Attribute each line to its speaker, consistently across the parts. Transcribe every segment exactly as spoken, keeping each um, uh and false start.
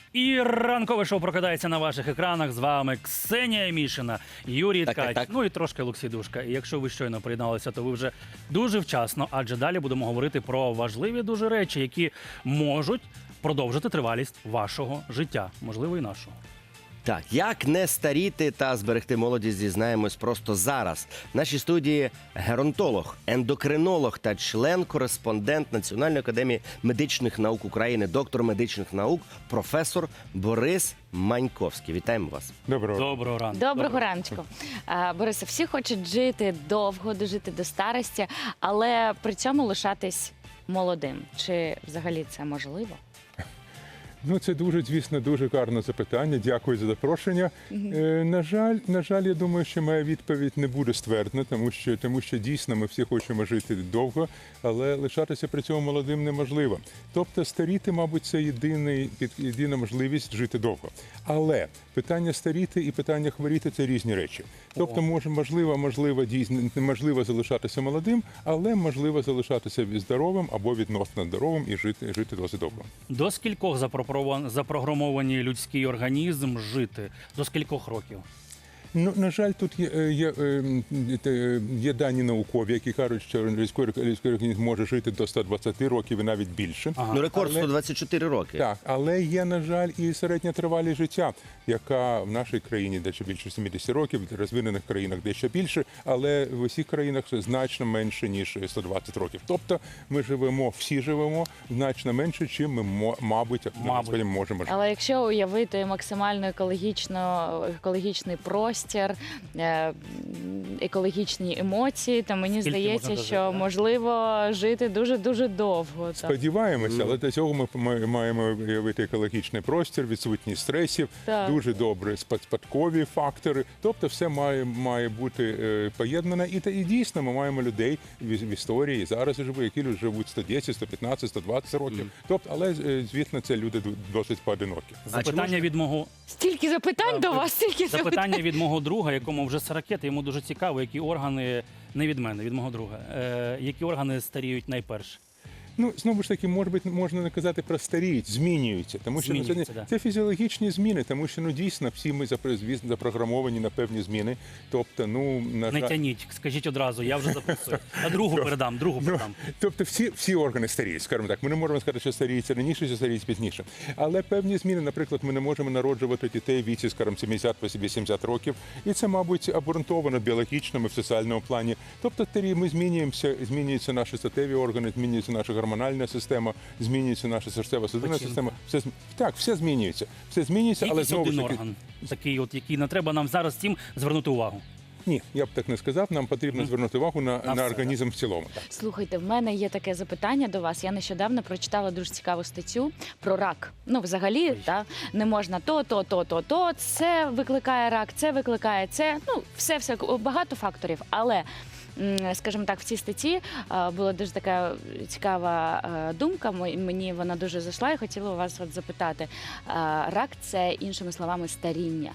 Speaker 1: І ранкове шоу прокидається на ваших екранах. З вами Ксенія Мішина, Юрій
Speaker 2: Так,
Speaker 1: Ткач,
Speaker 2: так, так.
Speaker 1: ну і трошки Олексій Душка. І якщо ви щойно приєдналися, то ви вже дуже вчасно, адже далі будемо говорити про важливі дуже речі, які можуть продовжити тривалість вашого життя, можливо, і нашого.
Speaker 2: Так, як не старіти та зберегти молодість, дізнаємось просто зараз. В нашій студії геронтолог, ендокринолог та член-кореспондент Національної академії медичних наук України, доктор медичних наук, професор Борис Маньковський. Вітаємо вас.
Speaker 3: Доброго.
Speaker 1: Доброго ранку.
Speaker 4: Доброго раночку. А, Борисе, всі хочуть жити довго, дожити до старості, але при цьому лишатись молодим. Чи взагалі це можливо?
Speaker 3: Ну, це дуже, звісно, дуже гарне запитання. Дякую за запрошення. Е, на жаль, на жаль, я думаю, що моя відповідь не буде ствердна, тому що, тому що дійсно ми всі хочемо жити довго, але лишатися при цьому молодим неможливо. Тобто старіти, мабуть, це єдиний, єдина можливість жити довго. Але питання старіти і питання хворіти – це різні речі. Тобто, може, можливо, можливо, дійсно, неможливо залишатися молодим, але можливо залишатися здоровим або відносно здоровим і жити, жити досить довго.
Speaker 1: До скількох запропро- запрограмовані людський організм жити? До скількох років?
Speaker 3: Ну, на жаль, тут є, е, є, е, е, є дані наукові, які кажуть, що людський, людський організм може жити до ста двадцяти років і навіть більше.
Speaker 1: Ага.
Speaker 2: Ну, рекорд
Speaker 3: Але-
Speaker 2: сто двадцять чотири роки.
Speaker 3: Так, але є, на жаль, і середня тривалість життя, яка в нашій країні дещо більше сімдесят років, в розвинених країнах дещо більше, але в усіх країнах значно менше, ніж сто двадцять років. Тобто ми живемо, всі живемо значно менше, чим ми, мо- мабуть,
Speaker 1: Мабуть.
Speaker 3: можемо жити.
Speaker 4: Але якщо уявити максимально екологічно, екологічний простір, е, екологічні емоції, то мені
Speaker 1: Скільки
Speaker 4: здається,
Speaker 1: можна
Speaker 4: що
Speaker 1: дожити, а?
Speaker 4: можливо жити дуже-дуже довго. Так.
Speaker 3: Сподіваємося, але для цього ми ми маємо уявити екологічний простір, відсутність стресів,
Speaker 4: Так.
Speaker 3: дуже добре спад- спадкові фактори. Тобто все має, має бути е, поєднане. І, та- і дійсно ми маємо людей в, в історії, і зараз живуть, які люди живуть сто десять, сто п'ятнадцять, сто двадцять років. Тобто, але, е, звісно, це люди ду- досить поодинокі.
Speaker 1: Запитання
Speaker 2: можна-
Speaker 1: від мого
Speaker 4: Стільки запитань до вас, стільки запитань.
Speaker 1: запитання від мого друга, якому вже сорок, йому дуже цікаво, які органи, не від мене, від мого друга, е, які органи старіють найперше.
Speaker 3: Ну, знову ж таки, може бути, можна не казати про старіють, змінюються, тому що ну, це,
Speaker 1: Змінюються,
Speaker 3: не-
Speaker 1: да.
Speaker 3: це фізіологічні зміни, тому що ну дійсно всі ми запро- звісно, запрограмовані на певні зміни. Тобто, ну на
Speaker 1: Не
Speaker 3: жаль,
Speaker 1: тяніть, скажіть одразу, я вже записую. А другу передам, другу
Speaker 3: Ну,
Speaker 1: передам.
Speaker 3: тобто всі, всі органи старіють, скажімо так. Ми не можемо сказати, що старіються раніше, що старіють пізніше. Але певні зміни, наприклад, ми не можемо народжувати дітей в віці, скажімо, сімдесят-вісімдесят років. І це, мабуть, обґрунтовано біологічно, в соціальному плані. Тобто старі, ми змінюємося, змінюються наші статеві органи, змінюється наша гормональна система, змінюється наша серцево-судинна
Speaker 1: Печінка.
Speaker 3: система. Все, зм- так, все змінюється. Все змінюється, але
Speaker 1: Якийсь
Speaker 3: знову
Speaker 1: один
Speaker 3: ж таки...
Speaker 1: орган, такий, от, який не треба нам зараз всім звернути увагу.
Speaker 3: Ні, я б так не сказав. Нам потрібно звернути увагу на,
Speaker 1: На
Speaker 3: на
Speaker 1: все,
Speaker 3: організм в цілому. Так.
Speaker 4: Слухайте, в мене є таке запитання до вас. Я нещодавно прочитала дуже цікаву статтю про рак. Ну, взагалі, та, не можна то, то, то, то, то. Це викликає рак, це викликає це. Ну, все, все, багато факторів. Але, м, скажімо так, в цій статті е, була дуже така цікава е, думка. м- Мені вона дуже зайшла і хотіла у вас от запитати. Е, Рак – це, іншими словами, старіння.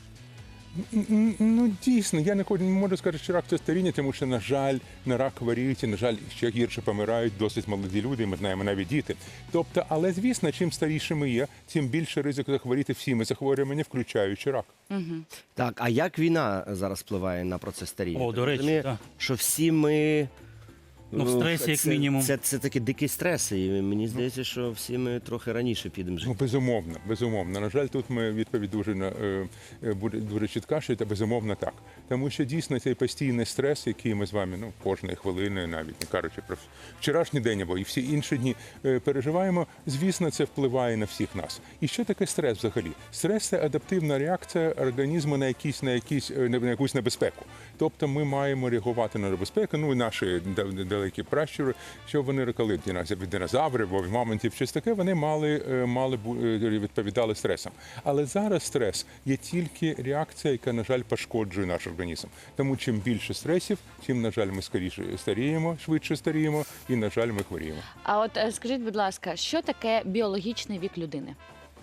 Speaker 3: Н- Ну, дійсно, я не хочу- не можу сказати, що рак це старіння, тому що, на жаль, на рак хворіють, і, на жаль, ще гірше помирають досить молоді люди, і ми знаємо навіть діти. Тобто, але, звісно, чим старіше ми є, тим більше ризик захворіти всіми захворюваннями, включаючи рак.
Speaker 2: Так, а як війна зараз впливає на процес старіння?
Speaker 1: О, до речі,
Speaker 2: Розумію,
Speaker 1: так.
Speaker 2: що всі ми...
Speaker 1: Ну, в стресі, як
Speaker 2: це,
Speaker 1: мінімум.
Speaker 2: Це, це, такі дикі стреси, і мені здається, що всі ми трохи раніше підемо жити.
Speaker 3: Ну, безумовно, безумовно. На жаль, тут ми відповідь дуже на- е, е, буде дуже чітка, що це безумовно так. Тому що дійсно цей постійний стрес, який ми з вами ну кожної хвилини, навіть не кажучи про вчорашній день або і всі інші дні е, переживаємо. Звісно, це впливає на всіх нас. І що таке стрес взагалі? Стрес це адаптивна реакція організму на якісь на якісь е, на якусь небезпеку. Тобто ми маємо реагувати на небезпеку. Ну і наші да- далекі пращури, що вони рекали від динозаврів, або від мамонтів, щось таке, вони мали, е, мали бу- е, відповідали стресам. Але зараз стрес є тільки реакція, яка, на жаль, пошкоджує наш організм. Тому чим більше стресів, тим, на жаль, ми скоріше старіємо, швидше старіємо, і, на жаль, ми хворіємо.
Speaker 4: А от е, скажіть, будь ласка, що таке біологічний вік людини?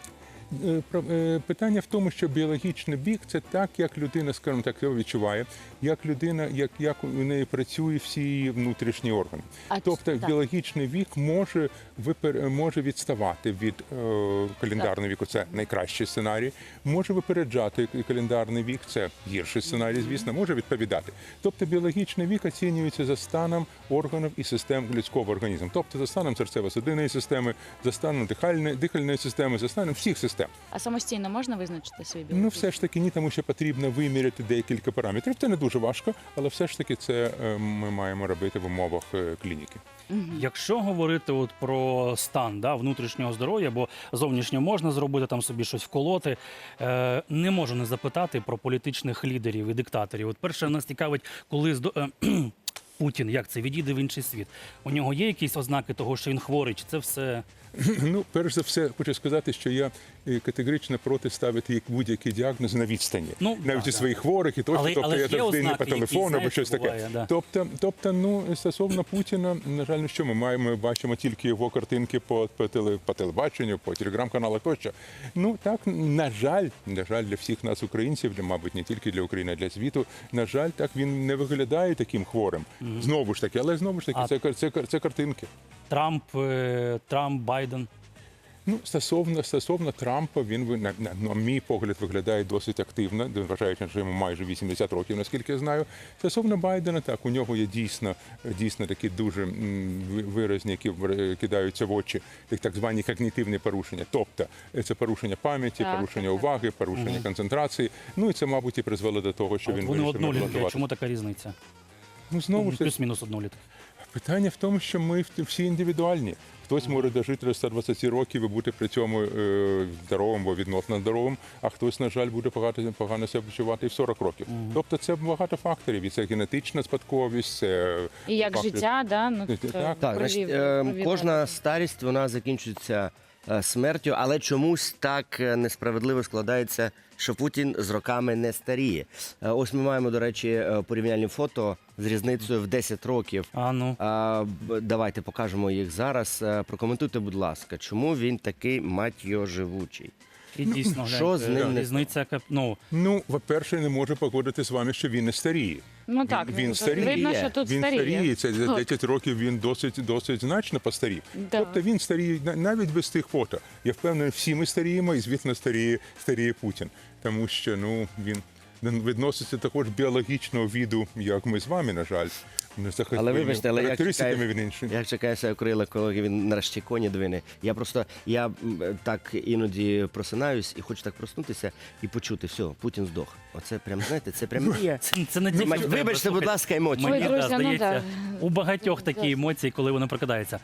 Speaker 3: Е, про- е, Питання в тому, що біологічний вік – це так, як людина, скажімо так, його відчуває, як людина, як, як у неї працюють всі її внутрішні органи.
Speaker 4: А
Speaker 3: Тобто
Speaker 4: так.
Speaker 3: біологічний вік може, випер... може відставати від е, календарного віку, це найкращий сценарій, може випереджати календарний вік, це гірший сценарій, звісно, може відповідати. Тобто біологічний вік оцінюється за станом органів і систем людського організму, тобто за станом серцево-судинної системи, за станом дихальної, дихальної системи, за станом всіх систем.
Speaker 4: А самостійно можна визначити свій білок?
Speaker 3: Ну, все ж таки ні, тому що потрібно виміряти декілька параметрів. Це не дуже важко, але все ж таки це е, ми маємо робити в умовах е, клініки.
Speaker 1: Якщо говорити от про стан да, внутрішнього здоров'я, бо зовнішньо можна зробити там собі щось вколоти, е, не можу не запитати про політичних лідерів і диктаторів. От перше нас цікавить, коли здо... е, Путін, як це відійде в інший світ. У нього є якісь ознаки того, що він хворий, чи це все
Speaker 3: Ну, перш за все, хочу сказати, що я е, категорично проти ставити як будь-який діагноз на відстані.
Speaker 1: Ну,
Speaker 3: Навіть
Speaker 1: да,
Speaker 3: у своїх хворих і тощо,
Speaker 1: Але-
Speaker 3: тобто
Speaker 1: але
Speaker 3: я
Speaker 1: ж є
Speaker 3: завжди не по
Speaker 1: ознаки, які,
Speaker 3: телефону або
Speaker 1: знаєш,
Speaker 3: щось таке.
Speaker 1: буває, да.
Speaker 3: Тобто, тобто, ну, стосовно Путіна, на жаль, ну що ми маємо, ми бачимо тільки його картинки по, по, теле, по телебаченню, по телеграм-каналах тощо. Ну, так, на жаль, на жаль, для всіх нас, українців, для, мабуть, не тільки для України, а для світу, на жаль, так він не виглядає таким хворим. Знову ж таки, але знову ж таки,
Speaker 1: А-
Speaker 3: це, це, це, це картинки.
Speaker 1: Трамп, е, Трамп, Байден.
Speaker 3: Ну, стосовно, стосовно Трампа, він, ви- на, на, на мій погляд, виглядає досить активно, вважаючи, що йому майже вісімдесят років, наскільки я знаю. Стосовно Байдена, так, у нього є дійсно, дійсно такі дуже м, ви- виразні, які в- кидаються в очі, як так звані когнітивні порушення. Тобто, е, це порушення пам'яті,
Speaker 4: Так,
Speaker 3: порушення
Speaker 4: так, так.
Speaker 3: уваги, порушення концентрації. Ну, і це, мабуть, і призвело до того, що
Speaker 1: От
Speaker 3: він
Speaker 1: вони
Speaker 3: вирішив
Speaker 1: однолітки, а
Speaker 3: імплантувати.
Speaker 1: чому така різниця?
Speaker 3: Ну, знову ж таки,
Speaker 1: Плюс-мінус однолітки.
Speaker 3: питання в тому, що ми всі індивідуальні. Хтось може дожити до ста двадцяти років і бути при цьому е, здоровим або відносно здоровим, а хтось, на жаль, буде погано, погано себе почувати і в сорок років. Тобто це багато факторів. І це генетична спадковість, це
Speaker 4: І як
Speaker 3: фактори-
Speaker 4: життя, да? Ну,
Speaker 3: Так,
Speaker 4: то
Speaker 3: так,
Speaker 2: Так,
Speaker 4: крові-
Speaker 2: значить, е,
Speaker 4: крові
Speaker 2: кожна
Speaker 4: варто.
Speaker 2: старість вона закінчується е, смертю, але чомусь так е, несправедливо складається, що Путін з роками не старіє. Е, Ось ми маємо, до речі, е, порівняльні фото з різницею в десять років.
Speaker 1: А ну.
Speaker 2: А, б- давайте покажемо їх зараз. Е, Прокоментуйте, будь ласка, чому він такий, мать його, живучий?
Speaker 1: І дійсно,
Speaker 2: Що
Speaker 1: гляньте,
Speaker 2: з ним не
Speaker 1: різниця, яка- ну,
Speaker 3: Ну, по-перше, не можу погодити з вами, що він не старіє.
Speaker 4: Ну так,
Speaker 3: він
Speaker 4: ну,
Speaker 3: старіє.
Speaker 4: видно, що тут
Speaker 3: Він
Speaker 4: старіє.
Speaker 3: старіє. Це за
Speaker 4: От.
Speaker 3: десять років він досить, досить значно постарів.
Speaker 4: Да.
Speaker 3: Тобто він старіє на- навіть без тих фото. Я впевнений, всі ми старіємо, і звісно, старіє, старіє Путін. Тому що ну, він відноситься також біологічного віду, як ми з вами, на жаль. Не за
Speaker 2: Але вибачте, але як
Speaker 3: характеристиками
Speaker 2: чекає,
Speaker 3: він інший.
Speaker 2: як чекає себе крила, коли він нарешті коні двине. Я просто я м, так іноді просинаюсь і хочу так проснутися і почути, все, Путін здох. Оце прям, знаєте, це прям мрія.
Speaker 1: це, це не тільки
Speaker 2: Мать,
Speaker 1: в тебе,
Speaker 2: Вибачте, будь
Speaker 1: слухай.
Speaker 2: ласка, емоції.
Speaker 1: Мені
Speaker 4: Ой, друзі,
Speaker 1: да,
Speaker 4: ну
Speaker 1: здається,
Speaker 4: да.
Speaker 1: у багатьох такі емоції, коли вони прокидаються.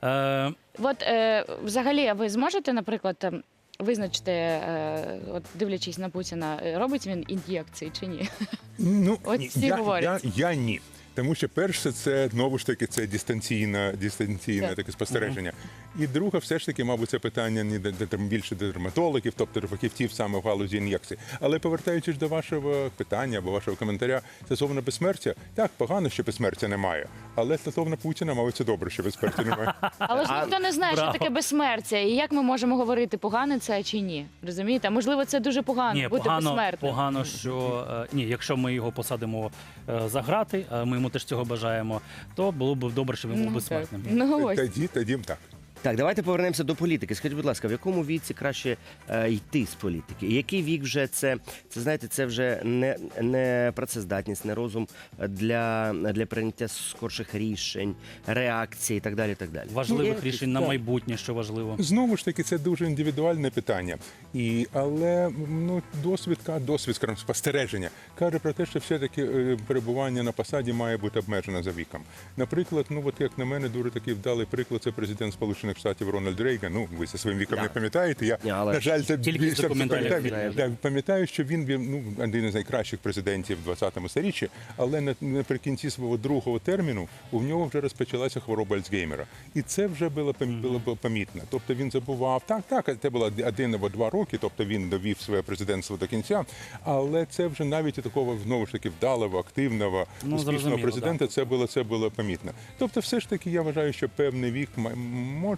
Speaker 1: Е,
Speaker 4: От е, взагалі, а ви зможете, наприклад, ем, визначити, е, от дивлячись на Путіна, е, робить він ін'єкції чи ні?
Speaker 3: Ну,
Speaker 4: От
Speaker 3: ні,
Speaker 4: всі
Speaker 3: я, я,
Speaker 4: говорять.
Speaker 3: я ні. Тому що перше, це знову ж таки це дистанційне, дистанційне
Speaker 4: Так.
Speaker 3: таке спостереження. І друге, все ж таки, мабуть, це питання не до, до, більше до дерматологів, тобто до фахівців саме в галузі ін'єкцій. Але повертаючись до вашого питання або вашого коментаря стосовно безсмертя, так, погано, що безсмертя немає. Але стосовно Путіна, мабуть, це добре, що безсмертя немає.
Speaker 4: Але ж ніхто не знає,
Speaker 1: браво.
Speaker 4: що таке безсмертя, і як ми можемо говорити, погане це чи ні. Розумієте? А можливо, це дуже погано
Speaker 1: ні,
Speaker 4: бути
Speaker 1: погано,
Speaker 4: безсмертним.
Speaker 1: погано, що е, ні, якщо ми його посадимо е, за грати, а ми йому теж цього бажаємо, то було б добре, щоб він був
Speaker 4: Ну, так.
Speaker 1: безсмертним.
Speaker 4: Ну ось.
Speaker 3: Тоді, тоді так.
Speaker 2: Так, давайте повернемося до політики. Скажіть, будь ласка, в якому віці краще е, йти з політики? І який вік вже це, це знаєте, це вже не, не працездатність, не розум для, для прийняття скорших рішень, реакцій і так далі. і Так далі.
Speaker 1: Важливих
Speaker 2: Є
Speaker 1: рішень на
Speaker 2: якісь,
Speaker 1: майбутнє, що важливо.
Speaker 3: Знову ж таки, це дуже індивідуальне питання. І, але ну, досвід, ка- досвід, скажімо, спостереження каже про те, що все-таки е, перебування на посаді має бути обмежено за віком. Наприклад, ну от як на мене, дуже такий вдалий приклад, це президент Сполучених Штатів Рональд Рейган. Ну, ви зі своїм віком
Speaker 2: Да.
Speaker 3: не пам'ятаєте. Я,
Speaker 2: Ні, але
Speaker 3: на жаль, це
Speaker 1: тільки з
Speaker 3: більше
Speaker 1: документалів
Speaker 3: пам'ятаю.
Speaker 2: знаю.
Speaker 3: Так, пам'ятаю, що він був ну, один із найкращих президентів в двадцятому сторіччі, але на- наприкінці свого другого терміну у нього вже розпочалася хвороба Альцгеймера. І це вже було, пом- було б помітно. Тобто він забував, так, так, це було один або два роки, тобто він довів своє президентство до кінця, але це вже навіть у такого, знову ж таки, вдалого, активного,
Speaker 1: Ну,
Speaker 3: успішного
Speaker 1: зрозуміло,
Speaker 3: президента це було, це було помітно. Тобто все ж таки я вважаю, що певний вік м- може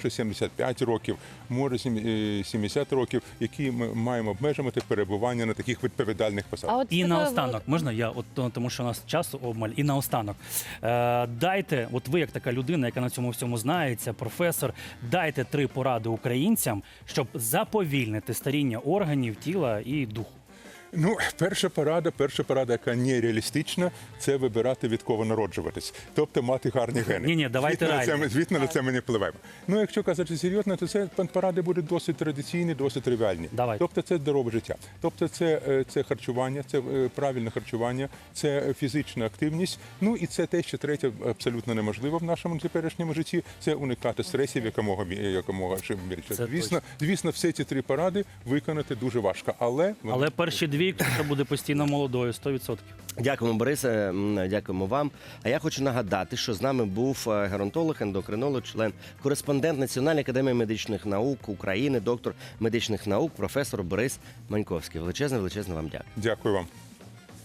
Speaker 3: може сімдесят п'ять років, може сім- е, сімдесят років, які ми маємо обмежувати перебування на таких відповідальних посадах.
Speaker 4: А от
Speaker 1: І
Speaker 4: такою
Speaker 1: наостанок,
Speaker 4: от-
Speaker 1: можна я, от то- тому що у нас часу обмаль, і наостанок. Е, дайте, от ви як така людина, яка на цьому всьому знається, професор, дайте три поради українцям, щоб заповільнити старіння органів, тіла і духу.
Speaker 3: Ну, перша порада, перша порада, яка нереалістична, це вибирати від кого народжуватись, тобто мати гарні гени.
Speaker 1: Ні-ні, давайте
Speaker 3: Звісно, на це,
Speaker 1: реально.
Speaker 3: ми- звісно, на це ми не впливаємо. Ну, якщо казати серйозно, то це поради будуть досить традиційні, досить тривіальні.
Speaker 1: Давайте.
Speaker 3: Тобто це здорове життя. Тобто це, е, це харчування, це е, правильне харчування, це фізична активність. Ну і це те, що третє абсолютно неможливо в нашому теперішньому житті, це уникати стресів якомога, бі- якомога ще більше.
Speaker 1: Це
Speaker 3: Звісно, звісно, всі ці три поради виконати дуже важко, але вони
Speaker 1: Але перші дві, що буде постійно молодою, сто відсотків.
Speaker 2: Дякуємо, Борисе, м, дякуємо вам. А я хочу нагадати, що з нами був е, геронтолог, ендокринолог, член, кореспондент Національної академії медичних наук України, доктор медичних наук, професор Борис Маньковський. Величезне, величезне вам дякую.
Speaker 3: Дякую вам.